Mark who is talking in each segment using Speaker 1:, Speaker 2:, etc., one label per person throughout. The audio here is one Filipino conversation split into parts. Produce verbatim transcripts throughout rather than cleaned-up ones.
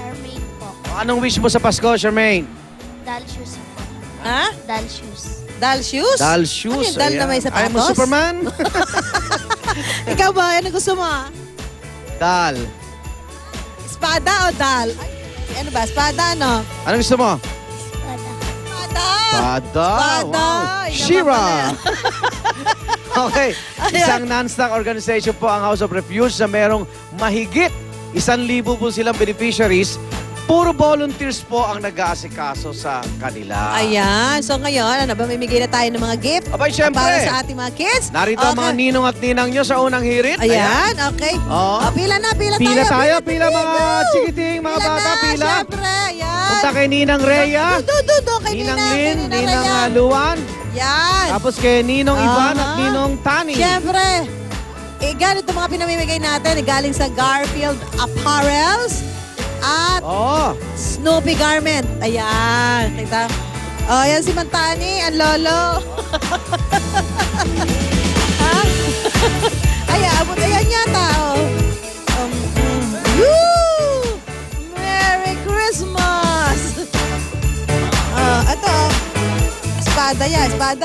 Speaker 1: Charmaine po.
Speaker 2: Anong wish mo sa Pasko, Charmaine?
Speaker 1: Doll shoes po.
Speaker 3: Ha?
Speaker 1: Doll shoes.
Speaker 3: Doll shoes?
Speaker 2: Doll shoes.
Speaker 3: Ano yung doll na may sapatos?
Speaker 2: Ayaw mo Superman?
Speaker 3: Ikaw ba? Ano gusto mo?
Speaker 2: Doll.
Speaker 3: Espada o doll? Ay, ano ba? Espada, ano?
Speaker 2: Anong gusto mo?
Speaker 1: Espada.
Speaker 3: Espada!
Speaker 2: Espada.
Speaker 3: Espada.
Speaker 2: Wow.
Speaker 3: Ay, naman
Speaker 2: Shira.
Speaker 3: pala.
Speaker 2: Okay.
Speaker 3: Ayan.
Speaker 2: Isang non-stock organization po ang House of Refuge na merong mahigit isang libo po silang beneficiaries. Puro volunteers po ang nag-aasikaso sa kanila.
Speaker 3: Ayan. So ngayon, ano ba? Mamimigay na tayo ng mga gift
Speaker 2: Abay, syempre.
Speaker 3: para sa ating mga kids.
Speaker 2: Narito ang mga ninong at ninang nyo sa unang hirit.
Speaker 3: Ayan, okay.
Speaker 2: Oo.
Speaker 3: Oh, pila na, pila,
Speaker 2: Pila
Speaker 3: tayo.
Speaker 2: tayo, pila mga
Speaker 3: go.
Speaker 2: chikiting, mga
Speaker 3: Pila
Speaker 2: bata,
Speaker 3: na,
Speaker 2: pila.
Speaker 3: Siyempre, ayan.
Speaker 2: Punta kay Ninang Rhea,
Speaker 3: Do, do, do, kay
Speaker 2: Ninang
Speaker 3: Ninang,
Speaker 2: Lin,
Speaker 3: kay
Speaker 2: Ninang
Speaker 3: Rhea.
Speaker 2: uh, Luan,
Speaker 3: Yan.
Speaker 2: tapos kay Ninong Ivan at
Speaker 3: Aha.
Speaker 2: Ninong Tani.
Speaker 3: Siyempre, eh, ganito mga pinamimigay natin, eh, galing sa Garfield Apparels at
Speaker 2: Oo.
Speaker 3: Snoopy Garment. Ayan, kita. Oh, yan si Mantani, ang lolo. ha? Ay, abot, ayan yata, oh. Um, um, woo! Merry Christmas! Ah, ito, oh. Espada yan, espada.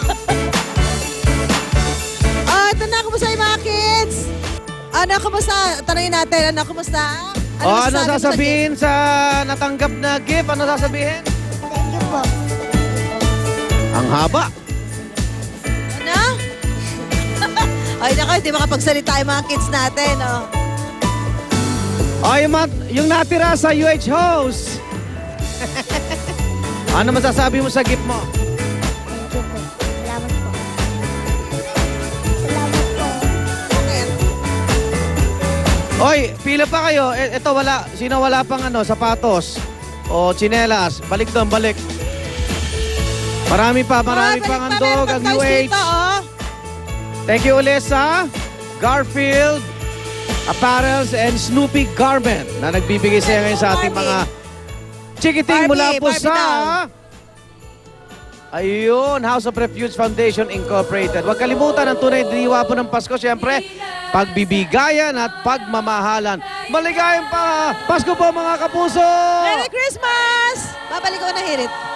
Speaker 3: Ah, ito na, kumusta yung mga kids? Ano, kumusta? Tanongin natin, ano, kumusta?
Speaker 2: O, ano
Speaker 3: masasabi mo sa
Speaker 2: sasabihin sa natanggap na gift? Ano sasabihin?
Speaker 1: Thank you po.
Speaker 2: Ang haba.
Speaker 3: Ano? Ay, naku, hindi makapagsalita yung mga kids natin, oh.
Speaker 2: O, yung, mat- yung natira sa U H House. Ano masasabi mo sa gift mo?
Speaker 1: Thank you po. Salamat po. Salamat po.
Speaker 3: Bakit?
Speaker 2: Oy, pila pa kayo. E- Ito wala. Sino wala pang ano, sapatos o tsinelas? Balik doon, balik. Marami pa, marami
Speaker 3: Oh,
Speaker 2: pang
Speaker 3: balik pa,
Speaker 2: handog
Speaker 3: meron
Speaker 2: ang
Speaker 3: pa
Speaker 2: U
Speaker 3: guys
Speaker 2: H.
Speaker 3: dito, oh.
Speaker 2: Thank you ulit sa Garfield Apparels and Snoopy Garment na nagbibigay sa ngayon sa ating mga chikiting
Speaker 3: Barbie,
Speaker 2: mula po
Speaker 3: Barbie
Speaker 2: sa
Speaker 3: daw.
Speaker 2: ayun, House of Refuge Foundation Incorporated. Huwag kalimutan ang tunay na diwa po ng Pasko, siyempre, pagbibigayan at pagmamahalan. Maligayang pa Pasko po mga kapuso!
Speaker 3: Merry Christmas! Babalik ko na hirit.